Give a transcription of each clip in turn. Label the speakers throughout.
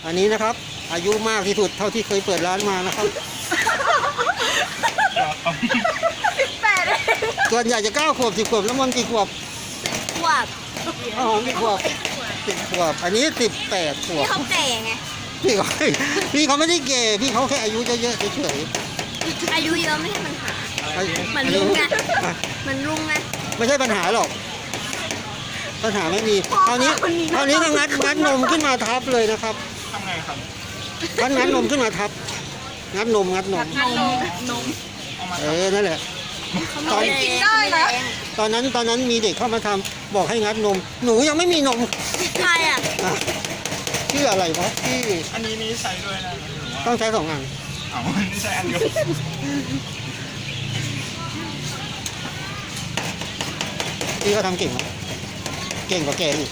Speaker 1: อันนี้นะครับ อายุมากที่สุดเท่าที่เคยเปิดร้านมานะครับ
Speaker 2: 18 เอง
Speaker 1: ส่วนใหญ่จะ9 ขวบ 10 ขวบแล้วมันกี่ขวบ
Speaker 2: ขวบ
Speaker 1: อ๋อกี่ขวบ10 ขวบอันนี้18 ขว
Speaker 2: นี่
Speaker 1: บ
Speaker 2: เขาแก่ไง
Speaker 1: พี่เขาไม่ได้เกย์พี่เขาแค่อายุเยอะๆเฉย
Speaker 2: อายุเยอะไม่ใช่ปัญหา
Speaker 1: ๆ
Speaker 2: มันลุงไง มันลุงไง
Speaker 1: ไม่ใช่ปัญหาหรอก ปัญหาไม่มีคราวนี้ก็งัดนมขึ้นมาทับเลยนะครับ
Speaker 3: ทำไงครับ
Speaker 1: งัดนมขึ้นมาทับ งัดนม
Speaker 2: นม
Speaker 1: นั่นแหละ ตอน
Speaker 2: กินได้นะ
Speaker 1: ตอนนั้นมีเด็กเข้ามาทำบอกให้งัดนม หนูยังไม่มีนม
Speaker 2: ใครอ่ะ
Speaker 1: อ่ะชื่ออะไรวะที่
Speaker 3: อันนี้ใช้ด้วยนะหรือว่า
Speaker 1: ต้องใช้2 อัน
Speaker 3: เอานี่ใช้อันเดียว
Speaker 1: พี่เขาทำเก่งไหมเก่งกว่าแกอีก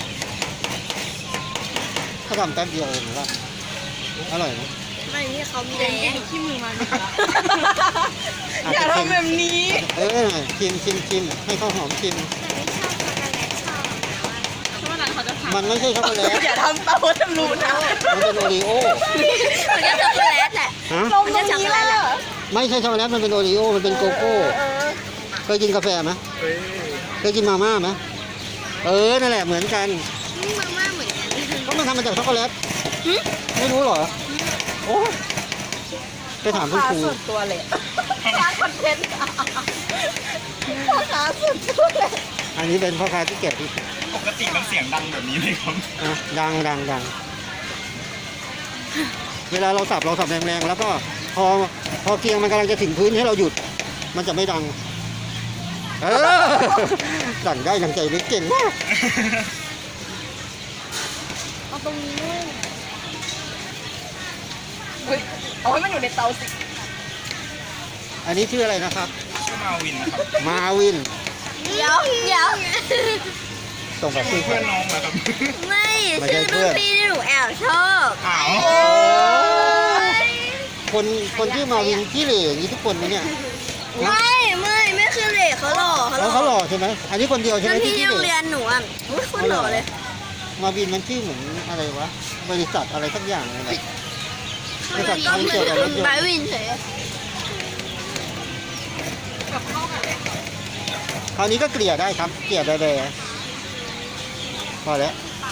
Speaker 1: เขาทำแป๊บเดียวเองหรือว่าอร่อยไหม
Speaker 2: ไม่นี่เขามีแรง
Speaker 4: ขี้มือมา
Speaker 1: อาจ
Speaker 4: อย่า
Speaker 1: จะเค็ม
Speaker 4: ทำแบบนี้
Speaker 1: ชิมให้ข้าวหอมชิม
Speaker 4: ช่วงนั้นเขาจะทำ
Speaker 1: มันไม่ใช่ช็อกโกแลต
Speaker 4: อย่าทำตาว่าจะรู้นะ
Speaker 1: มันเป็นโอรีโอ
Speaker 2: มันก็ช็อกโกแลตแหละ
Speaker 1: ฮะ
Speaker 4: ลงตรงนี้แล้ว
Speaker 1: ไม่ใช่ช็อกโกแลตมันเป็นโอรีโอมันเป็นโกโก้เคยกินกาแฟไหม
Speaker 3: เฮ้ย
Speaker 1: เคยกินมาม่าไหมนั่นแหละเหมือนกัน
Speaker 2: นี่มาม่าเหมือนกัน
Speaker 1: ก็มันทำมาจากช็อกโกแลตไม่รู้เหรอโอ้ไปถามคุณครู
Speaker 4: ส่วนตัวเลยสร้างคอนเทนต์พ่อค้าส่วนตัวเลย
Speaker 1: อันนี้เป็นพ่อค้าที่เก็บที่
Speaker 3: ปกติมันเสียงดังแบบนี้เลยครับ
Speaker 1: อ่ะดังเวลาเราสับแรงๆแล้วก็พอเกียงมันกำลังจะถึงพื้นให้เราหยุด มันจะไม่ดังสั่นได้ดังใจไม่เก่งมาก
Speaker 4: เอาตรงนี้ด้วยอุ้ยเอาให้มันอยู่ในเตาสิ
Speaker 1: อันนี้ชื่ออะไรนะครับ
Speaker 3: ชื่อมาวินนะครับ
Speaker 1: มาวิน
Speaker 2: เดี๋ยว
Speaker 1: ส่งกับชื่อ
Speaker 3: เพื่อนน้องเหรอครับ
Speaker 2: ไม่ชื่อรุ่นพี่ที่หนูแอบชอบ
Speaker 3: อ้าว
Speaker 1: คนที่มาวินที่เหล่อย่างนี้ทุกคนไหมเนี่ย
Speaker 2: ไม่คือเหล็กเขาหล่อ
Speaker 1: เขาหล่อใช่ไหมอันนี้คนเดียวใช่ไหม
Speaker 2: รุ่น
Speaker 1: ที่
Speaker 2: พี่
Speaker 1: ที่
Speaker 2: ที่
Speaker 1: เห
Speaker 2: โรงเรี
Speaker 1: ล่
Speaker 2: ยนหนูอ่ะอุ้ยคนหล่อเลย
Speaker 1: มาวินมันชื่อเหมือนอะไรวะบริษัทอะไรสักอย่างอะไรบริษัท
Speaker 2: ก็
Speaker 1: ทำ
Speaker 2: ไม่
Speaker 1: เกี่ยวกับรถยน
Speaker 2: ไบ
Speaker 1: ต์
Speaker 2: วินเฉย
Speaker 1: คราวนี้ก็เกลี่ยได้ครับ เกลี่ยแบๆพอแล้ว